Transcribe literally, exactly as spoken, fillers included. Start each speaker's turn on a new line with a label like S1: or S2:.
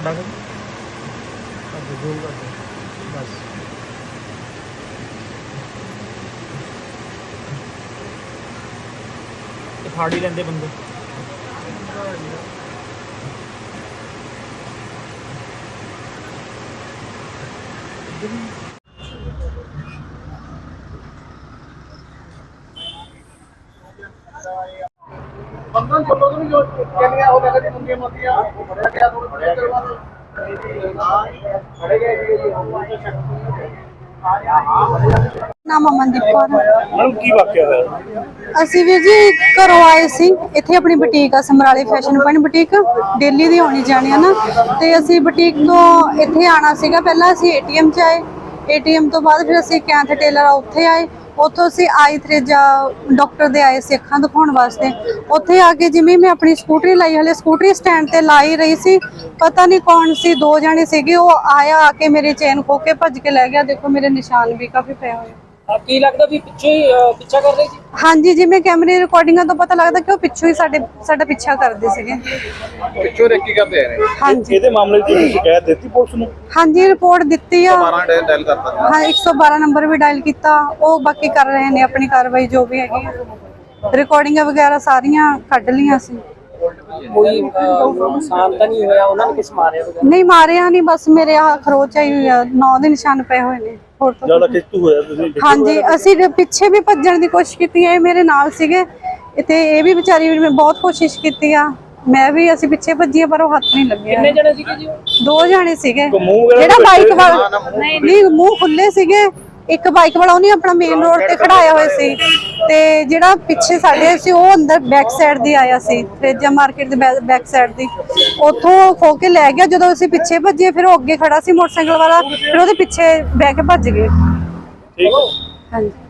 S1: खड़ा कर जूम कर दो बस। ये फाड़ ही लेंदे बंदे।
S2: पंद्रह सोलह भी जो केनिया हो गया मुंडिया मोतिया बढ़िया गया थोड़ा बढ़िया करवा दो बढ़िया
S3: नाम अमनदीप कौर
S1: मैडम की वाकया है?
S3: ਅਸੀਂ ਵੀਰ ਜੀ ਘਰੋਂ ਆਏ ਸੀ। ਇੱਥੇ ਆਪਣੀ ਬੁਟੀਕ ਆ ਸਮਰਾਲੇ ਫੈਸ਼ਨ ਪੁਆਇੰਟ ਬੁਟੀਕ, ਦਿੱਲੀ ਦੀ ਆਉਣੀ ਜਾਣੀ ਆ ਨਾ। ਤੇ ਅਸੀਂ ਬੁਟੀਕ ਤੋਂ ਇੱਥੇ ਆਣਾ ਸੀਗਾ। ਪਹਿਲਾਂ ਅਸੀਂ ਏਟੀਐਮ 'ਚ ਆਏ, ਏਟੀਐਮ ਤੋਂ ਬਾਅਦ ਫਿਰ ਅਸੀਂ ਕੈਂਥ ਟੇਲਰ ਆ ਉੱਥੇ ਆਏ। ਉੱਥੋਂ ਅਸੀਂ ਆਈ ਥਰੇਜਾ ਡਾਕਟਰ ਦੇ ਆਏ ਸੀ ਅੱਖਾਂ ਦਿਖਾਉਣ ਵਾਸਤੇ। ਉੱਥੇ ਆ ਕੇ ਜਿਵੇਂ ਮੈਂ ਆਪਣੀ ਸਕੂਟਰੀ ਲਾਈ, ਹਲੇ ਸਕੂਟਰੀ ਸਟੈਂਡ ਤੇ ਲਾਈ ਰਹੀ ਸੀ, ਪਤਾ ਨਹੀਂ ਕੌਣ ਸੀ, ਦੋ ਜਾਣੇ ਸੀਗੇ। ਉਹ ਆਇਆ, ਆ ਕੇ ਮੇਰੇ ਚੇਨ ਖੋ ਕੇ ਭੱਜ ਕੇ ਲੈ ਗਿਆ। ਦੇਖੋ ਮੇਰੇ ਨਿਸ਼ਾਨ ਵੀ ਕਾਫੀ ਪਏ ਹੋਏ।
S4: ਕੀ ਲੱਗਦਾ ਵੀ ਪਿੱਛੇ ਹੀ ਪਿੱਛਾ ਕਰ ਰਹੀ ਸੀ?
S3: ਹਾਂਜੀ, ਜਿਵੇਂ ਕੈਮਰੇ ਰਿਕਾਰਡਿੰਗਾਂ ਤੋਂ ਪਤਾ ਲੱਗਦਾ ਕਿ ਉਹ ਪਿੱਛੋਂ ਹੀ ਸਾਡੇ ਸਾਡਾ ਪਿੱਛਾ ਕਰਦੇ ਸੀਗੇ।
S2: ਪਿੱਛੋਂ ਰੇਕੀ ਕਰਦੇ ਆ ਨੇ।
S3: ਹਾਂਜੀ
S1: ਇਹਦੇ ਮਾਮਲੇ ਦੀ ਤੁਸੀਂ ਸ਼ਿਕਾਇਤ ਦਿੱਤੀ ਪੁਲਿਸ ਨੂੰ?
S3: ਹਾਂਜੀ, ਰਿਪੋਰਟ ਦਿੱਤੀ ਆ।
S2: ਬਾਰਾਂ ਡਾਇਲ ਕਰਤਾ।
S3: ਹਾਂ, ਇੱਕ ਸੌ ਬਾਰਾਂ ਨੰਬਰ ਵੀ ਡਾਇਲ ਕੀਤਾ। ਉਹ ਬਾਕੀ ਕਰ ਰਹੇ ਨੇ ਆਪਣੀ ਕਾਰਵਾਈ ਜੋ ਵੀ ਹੈਗੀ ਆ। ਰਿਕਾਰਡਿੰਗਾਂ ਵਗੈਰਾ ਸਾਰੀਆਂ ਕੱਢ ਲਈਆਂ ਸੀ।
S4: ਕੋਈ ਨੁਕਸਾਨ ਤਾਂ ਨਹੀਂ ਹੋਇਆ? ਉਹਨਾਂ ਨੇ ਕਿਸ ਮਾਰਿਆ ਵਗੈਰਾ?
S3: ਨਹੀਂ ਮਾਰਿਆ ਨਹੀਂ, ਬਸ ਮੇਰੇ ਆ ਖਰੋਚ ਆਈ ਹੋਈ ਆ, ਨੌ ਦੇ ਨਿਸ਼ਾਨ ਪਏ ਹੋਏ ਨੇ। ਹੋਰ ਤਾਂ
S1: ਜਿਆਦਾ ਖਿੱਚੂ ਹੋਇਆ ਤੁਸੀਂ?
S3: ਹਾਂਜੀ, ਅਸੀਂ ਪਿੱਛੇ ਵੀ ਭੱਜਣ ਦੀ ਕੋਸ਼ਿਸ਼ ਕੀਤੀ ਹੈ, ਇਹ ਮੇਰੇ ਨਾਲ ਸੀਗੇ ਤੇ ਇਹ ਵੀ ਵਿਚਾਰੀ ਵੀ, ਮੈਂ ਬਹੁਤ ਕੋਸ਼ਿਸ਼ ਕੀਤੀ ਆ, ਮੈਂ ਵੀ, ਅਸੀਂ ਪਿੱਛੇ ਭੱਜੀਏ ਪਰ ਉਹ ਹੱਥ ਨਹੀਂ ਲੱਗਿਆ।
S4: ਕਿੰਨੇ ਜਣੇ ਸੀਗੇ ਜੀ?
S3: ਦੋ ਜਾਣੇ ਸੀਗੇ।
S1: ਮੂੰਹ ਵਗੈਰਾ
S3: ਜਿਹੜਾ ਬਾਈਕ ਵਾਲਾ ਨਹੀਂ, ਮੂੰਹ ਖੁੱਲੇ ਸੀਗੇ। ਇੱਕ ਬਾਈਕ ਵਾਲਾ ਉਹਨੇ ਆਪਣਾ ਮੇਨ ਰੋਡ ਤੇ ਖੜਾਇਆ ਹੋਇਆ ਸੀ, ਤੇ ਜਿਹੜਾ ਪਿੱਛੇ ਸਾਡੇ ਸੀ ਉਹ ਅੰਦਰ ਬੈਕ ਸਾਈਡ ਦੀ ਆਇਆ ਸੀ, ਥਰੇਜਾ ਮਾਰਕੀਟ ਦੇ ਬੈਕ ਸਾਈਡ ਦੀ। ਉੱਥੋਂ ਖੋ ਕੇ ਲੈ ਗਿਆ। ਜਦੋਂ ਅਸੀਂ ਪਿੱਛੇ ਭੱਜੇ ਫਿਰ ਉਹ ਅੱਗੇ ਖੜਾ ਸੀ ਮੋਟਰਸਾਈਕਲ ਵਾਲਾ, ਫਿਰ ਉਹਦੇ ਪਿੱਛੇ ਬਹਿ ਕੇ ਭੱਜ ਗਏ।
S1: ਠੀਕ।
S3: ਹਾਂਜੀ।